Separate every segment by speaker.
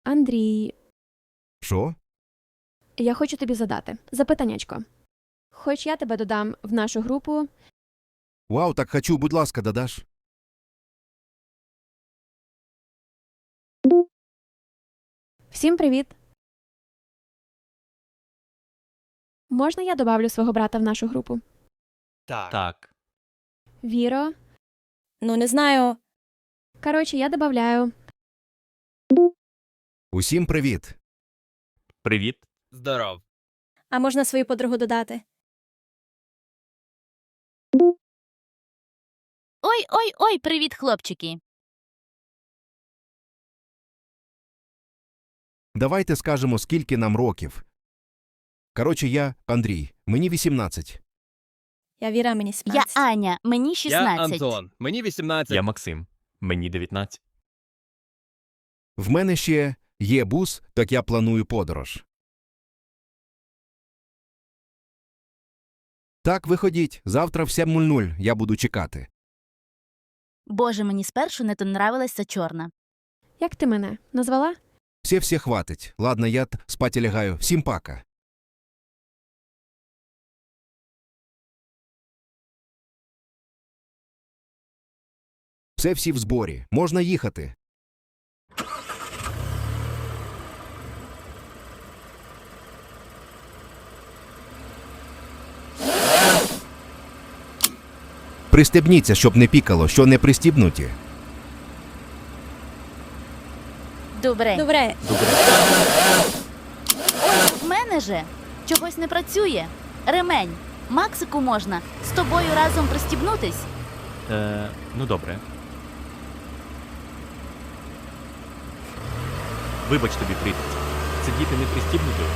Speaker 1: Андрій,
Speaker 2: Що?
Speaker 1: я хочу тобі задати запитаннячко. Хоч я тебе додам в нашу групу.
Speaker 2: Вау, так хочу, будь ласка, додаш.
Speaker 1: Всім привіт! Можна я добавлю свого брата в нашу групу?
Speaker 3: Так.
Speaker 1: Віро.
Speaker 4: Ну, не знаю.
Speaker 1: Коротше, я добавляю.
Speaker 2: Усім привіт.
Speaker 3: Привіт.
Speaker 5: Здоров.
Speaker 4: А можна свою подругу додати?
Speaker 6: Ой, привіт, хлопчики.
Speaker 2: Давайте скажемо, скільки нам років. Коротше, я Андрій. Мені 18.
Speaker 4: Я Віра, мені
Speaker 6: Я
Speaker 4: 17.
Speaker 6: Аня, мені
Speaker 5: Я
Speaker 6: 16.
Speaker 5: Антон. Мені 18.
Speaker 3: Я Максим. Мені 19.
Speaker 2: В мене ще є бус, так я планую подорож. Так, виходіть. Завтра в 7:00 я буду чекати.
Speaker 6: Боже, мені спершу не то нравилася чорна.
Speaker 1: Як ти мене назвала?
Speaker 2: Все хватить. Ладно, я спати лягаю. Всім пока. Всі в зборі. Можна їхати. Пристебніться, щоб не пікало, що не пристібнуті.
Speaker 6: Добре.
Speaker 4: Добре.
Speaker 6: В мене же чогось не працює. Ремень. Максику можна з тобою разом пристібнутись?
Speaker 3: Ну добре. Вибач тобі, припець. Сидіти не пристібнутою.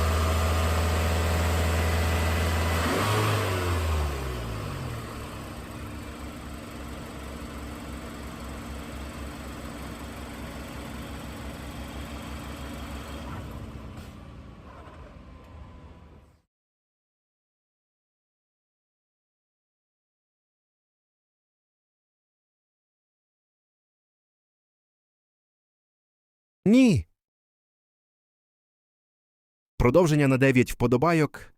Speaker 2: Ні. Продовження на 9 вподобайок.